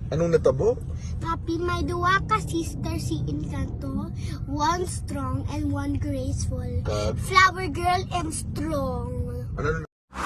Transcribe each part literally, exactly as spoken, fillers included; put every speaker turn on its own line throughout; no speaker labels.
Anong natabo?
Papi, may duwa ka sister si Encanto. One strong and one graceful.
Kag?
Flower girl and strong.
Ano?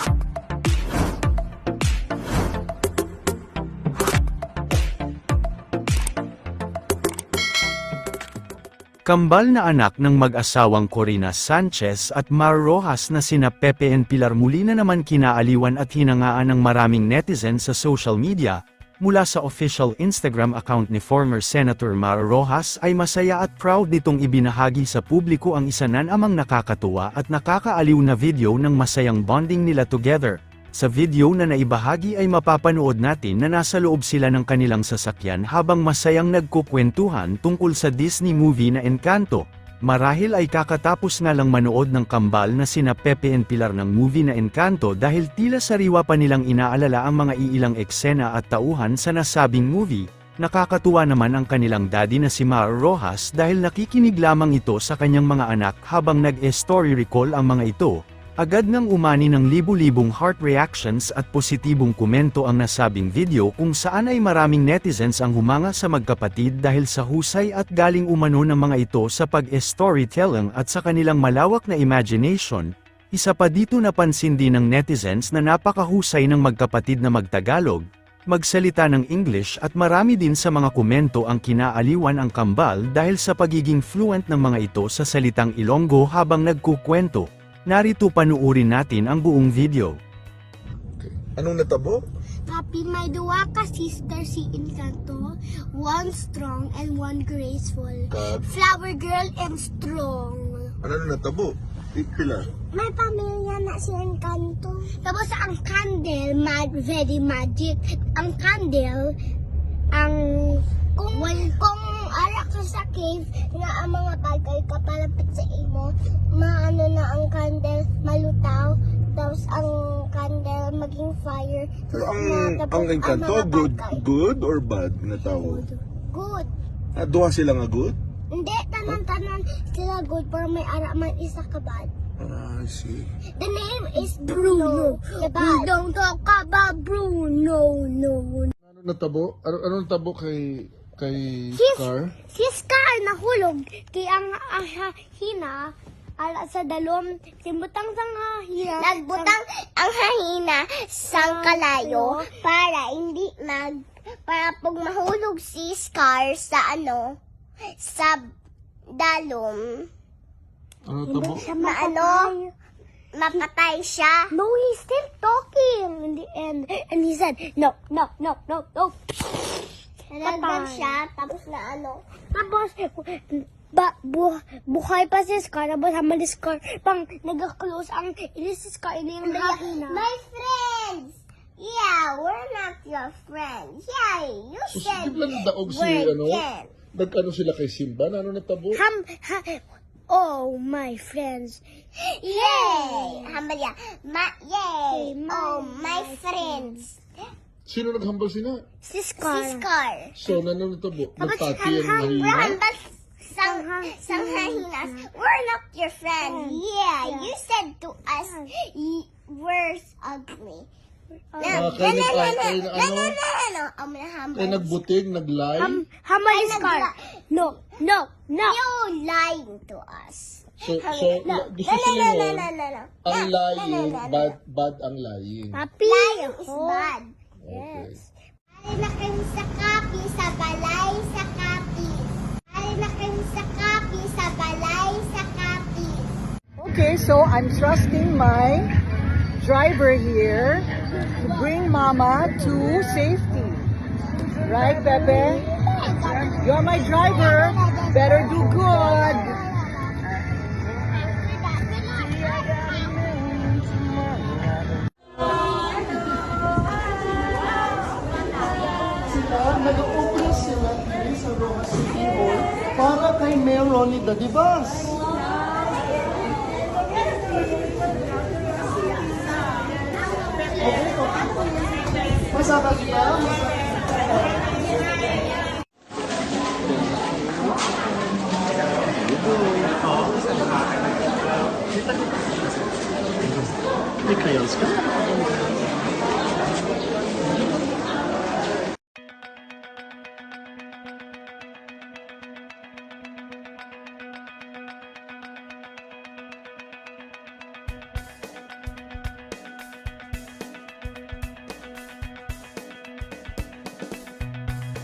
Kambal na anak ng mag-asawang Corina Sanchez at Mar Rojas na sina Pepe and Pilar muli na naman kinaaliwan at hinangaan ng maraming netizens sa social media. Mula sa official Instagram account ni former Senator Mar Rojas ay masaya at proud nitong ibinahagi sa publiko ang isa nan amang nakakatuwa at nakakaaliw na video ng masayang bonding nila together. Sa video na naibahagi ay mapapanood natin na nasa loob sila ng kanilang sasakyan habang masayang nagkukwentuhan tungkol sa Disney movie na Encanto. Marahil ay kakatapos nga lang manood ng kambal na sina Pepe and Pilar ng movie na Encanto dahil tila sariwa pa nilang inaalala ang mga iilang eksena at tauhan sa nasabing movie. Nakakatuwa naman ang kanilang daddy na si Mar Rojas dahil nakikinig lamang ito sa kanyang mga anak habang nag-story recall ang mga ito. Agad ngang umani ng libu-libong heart reactions at positibong komento ang nasabing video kung saan ay maraming netizens ang humanga sa magkapatid dahil sa husay at galing umano ng mga ito sa pag-storytelling at sa kanilang malawak na imagination. Isa pa dito napansin din ng netizens na napakahusay ng magkapatid na magtagalog, magsalita ng English at marami din sa mga komento ang kinaaliwan ang kambal dahil sa pagiging fluent ng mga ito sa salitang Ilonggo habang nagkukwento. Narito panuurin natin ang buong video.
Okay. Anong natabo?
Papi, may duwa ka sister si Encanto. One strong and one graceful.
Kag?
Flower girl and strong.
Ano natabo? Pilar.
May pamilya na si Encanto. Tapos ang candle, mag very magic. Ang candle, ang kung well, kung ara ka sa cave na ang mga bagay kapalapit sa imo, maano na ang candle malutaw, tapos ang candle maging fire.
Pero ang
na,
ang Encanto
mga
good
bagay.
good or bad na tao?
Good. Good.
Ah, duha sila nga good?
Hindi, tanan-tanan sila good, pero may ara man isa ka bad.
Ah, I see.
The name is Bruno. The bad. We don't talk about Bruno, no.
Ano natabo? Ano ano natabo kay kay
Sis,
Scar?
si Scar nahulog. Kaya ang ah, hina, ala sa dalom, simbutang sang hina. Nagbutang ang hahina sang kalayo para hindi mag, para pag mahulog si Scar sa ano, sa dalom.
Ano natabo?
Na ano, mapatay siya. No, he's still talking in the end. And he said, no, no, no, no, no. Nanagdan siya, tapos na ano. Tapos, ba, bu, buhay pa si Scar, tapos hamal si Scar, pang nag-close ang, ini si Scar, ini yung hahina. My friends! Yeah, we're not your friends. Yeah, you
So,
said
sige lang daog si
we're
ano?
dead.
Nagkano sila kay Simba? Ano natabo?
Ham, ha, oh, my friends. Yay! Hambalya. Ma, yay! Oh, my friends.
Sino naghambal sila?
Si Scar. Si Scar.
So, ano natabo?
Tapos,
Nagpati ang
ham,
mahina?
hambal sang, sang hahinas. We're not your friends. Yeah, you said to us, y- we're ugly. No,
Ah,
no,
kayo
no, no,
nag-
no,
kayo
no,
na
no,
ano?
no, no, no. I'm gonna humble.
Kaya nagbutig, naglay?
Ham, hamal si Scar. No, no, no. You're lying to us.
So,
Hum-
so
no,
gusto
no, no,
sila
no,
yun,
no, no, no.
ang
No,
lying,
no, no, no, no.
bad, bad ang lying.
Papi. Lying is bad.
Okay.
Ali na kayo sa kapi, sa balay, sa kapi. Ali na kayo sa kapi, sa balay, sa kapi.
Okay, so I'm trusting my driver here to bring Mama to safety. Right, Pepe? You're my driver. Better do good.
Nag-open sila dito sa Rojas City Hall para kay Mayor Ronnie Dadibas. Okay, okay. Masaka kita? Masaka.